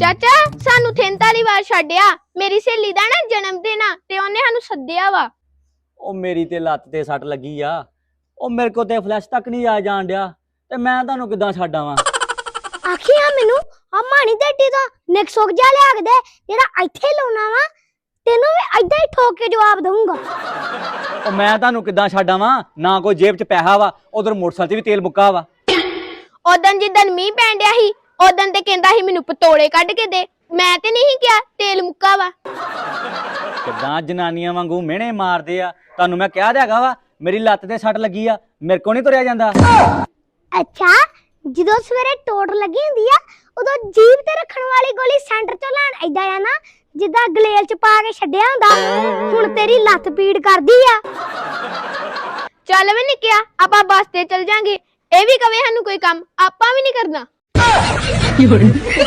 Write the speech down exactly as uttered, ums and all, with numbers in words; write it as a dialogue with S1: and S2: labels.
S1: ਚਾਚਾ ਸਾਨੂੰ ਥਿੰਦ ਵਾਲੀ ਵਾਰ ਛੱਡਿਆ। ਮੇਰੀ ਸਹੇਲੀ ਦਾ ਨਾ ਜਨਮ ਦਿਨ ਆ ਤੇ ਉਹਨੇ ਸਾਨੂੰ ਸੱਦਿਆ ਵਾ।
S2: ਉਹ ਮੇਰੀ ਤੇ ਲੱਤ ਤੇ ਸੱਟ ਲੱਗੀ ਆ। ਉਹ ਮੇਰੇ ਕੋ ਤੇ ਫਲੈਸ਼ ਤੱਕ ਨਹੀਂ ਆ ਜਾਣ ਡਿਆ ਤੇ ਮੈਂ ਤੁਹਾਨੂੰ ਕਿੱਦਾਂ ਛੱਡ ਆਵਾਂ।
S3: ਆਖਿਆ ਮੈਨੂੰ ਆ ਮਾਣੀ ਡੱਡੀ ਦਾ ਨਿਕਸੋਕ ਜਾ ਲਿਆ ਕੇ ਦੇ ਜਿਹੜਾ ਇੱਥੇ ਲਾਉਣਾ ਵਾ ਤੈਨੂੰ ਵੀ ਏਦਾਂ ਹੀ ਠੋਕ ਕੇ ਜਵਾਬ ਦਊਂਗਾ।
S2: ਉਹ ਮੈਂ ਤੁਹਾਨੂੰ ਕਿੱਦਾਂ ਛੱਡ ਆਵਾਂ, ਨਾ ਕੋਈ ਜੇਬ 'ਚ ਪੈਸਾ ਵਾ, ਉਧਰ ਮੋਟਰਸਾਈਕਲ 'ਤੇ ਵੀ ਤੇਲ ਮੁੱਕਾ ਵਾ।
S1: ਉਦਣ ਜਿੱਦਣ ਮੀਂਹ ਪੈਣ ਡਿਆ ਸੀ ਉਦਣ ਤੇ ਕਹਿੰਦਾ ਸੀ ਮੈਨੂੰ ਪਤੋੜੇ ਕੱਢ ਕੇ ਦੇ, ਮੈਂ ਤੇ ਨਹੀਂ ਕਿਹਾ ਤੇਲ ਮੁੱਕਾ ਵਾ।
S2: ਕਿੱਦਾਂ ਜਨਾਨੀਆਂ ਵਾਂਗੂ ਮਿਹਣੇ ਮਾਰਦੇ ਆ। ਤੁਹਾਨੂੰ ਮੈਂ ਕਿਹਾ ਤੇ ਹੈਗਾ ਵਾ ਮੇਰੀ ਲੱਤ ਤੇ ਸੱਟ ਲੱਗੀ ਆ, ਮੇਰੇ ਕੋ ਨਹੀਂ ਤੁਰਿਆ ਜਾਂਦਾ।
S3: ਅੱਛਾ ਜਦੋਂ ਸਵੇਰੇ ਟੋਟ ਲੱਗੀ ਹੁੰਦੀ ਆ ਉਦੋਂ ਜੀਭ ਤੇ ਰੱਖਣ ਵਾਲੀ ਗੋਲੀ ਸੈਂਟਰ ਚੋਂ ਲੈਣ ਏਦਾਂ ਆ ਨਾ ਜਿੱਦਾਂ ਗਲੇਲ ਚ ਪਾ ਕੇ ਛੱਡਿਆ ਹੁੰਦਾ। ਹੁਣ ਤੇਰੀ ਲੱਤ ਪੀੜ ਕਰਦੀ ਆ।
S1: ਚੱਲ ਵੇ ਨਿਕਿਆ ਆਪਾਂ ਬੱਸ ਤੇ ਚੱਲ ਜਾਾਂਗੇ। ਇਹ ਵੀ ਕਵੇ ਸਾਨੂੰ ਕੋਈ ਕੰਮ ਆਪਾਂ ਵੀ ਨਹੀਂ ਕਰਨਾ।